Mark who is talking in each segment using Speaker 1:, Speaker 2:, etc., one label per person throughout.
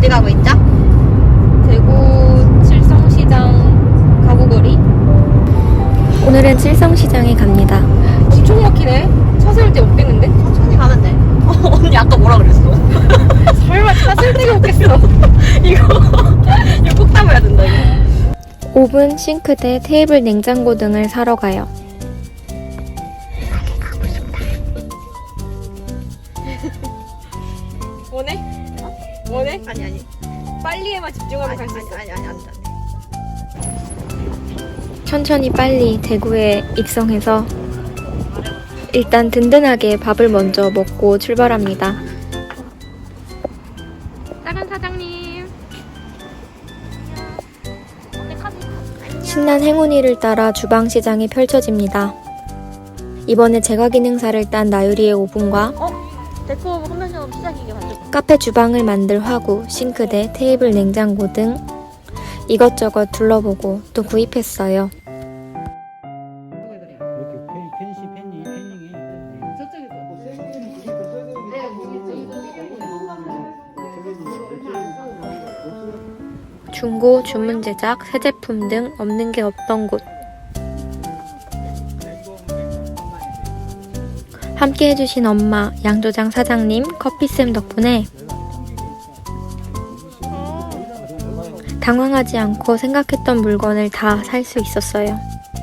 Speaker 1: 어디 가고 있죠?
Speaker 2: 대구 칠성시장 가구거리. 오늘은 칠성시장에 갑니다. 엄청 막히네. 차 세울 데 없겠는데?
Speaker 1: 천천히 가면 돼. 언니 아까 뭐라 그랬어?
Speaker 2: 설마 차 세울 데가 없겠어.
Speaker 1: 이거 꼭 담아야 된다 이거.
Speaker 2: 오븐, 싱크대, 테이블, 냉장고 등을 사러 가요. 원해? 원해?
Speaker 1: 아니
Speaker 2: 빨리에만 집중하면 갈 수 있어.
Speaker 1: 아니 안 돼.
Speaker 2: 천천히 빨리 대구에 입성해서 일단 든든하게 밥을 먼저 먹고 출발합니다. 작은 사장님. 신난 행운이를 따라 주방시장이 펼쳐집니다. 이번에 제과기능사를 딴 나유리의 오븐과
Speaker 1: 데코 컨벤션 시작이게 가지고.
Speaker 2: 카페 주방을 만들 화구, 싱크대, 테이블, 냉장고 등 이것저것 둘러보고 또 구입했어요. 중고, 주문 제작, 새 제품 등 없는 게 없던 곳. 함께 해주신 엄마, 양조장 사장님, 커피쌤 덕분에 당황하지 않고 생각했던 물건을 다 살 수 있었어요.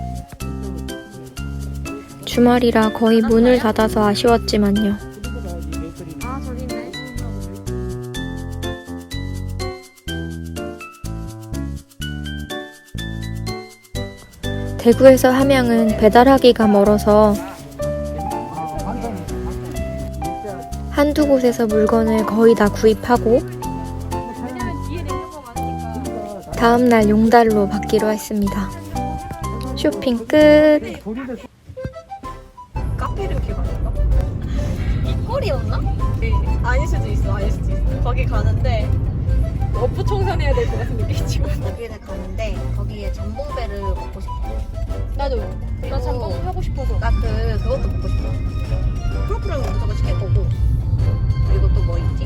Speaker 2: 주말이라 거의 문을 닫아서 아쉬웠지만요.
Speaker 1: 아 저기 있네.
Speaker 2: 대구에서 함양은 배달하기가 멀어서 한두 곳에서 물건을 거의 다 구입하고 다음날 용달로 받기로 했습니다. 쇼핑 끝!
Speaker 1: 카페를 기억 안 나? 이 꼴이었나? 네. 아닐 수도 있어. 거기 가는데
Speaker 2: 어부 청산해야 될 것 같은 느낌이지만
Speaker 1: 거기를 가는데 거기에 전복배를 먹고 싶어.
Speaker 2: 나도 나 잠깐 하고 싶어서
Speaker 1: 나 그것도 먹고 싶어. 크로플을 무조건 시킬 거고. 그리고 또 뭐 있지?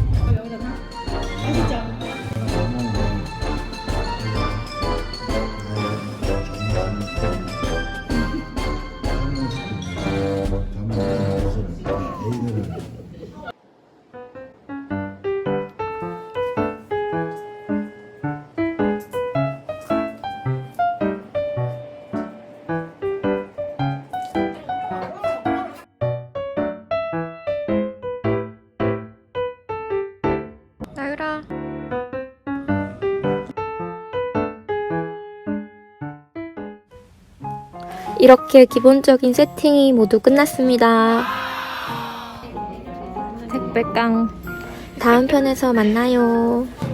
Speaker 2: 나유라. 이렇게 기본적인 세팅이 모두 끝났습니다. 택배깡. 다음 편에서 만나요.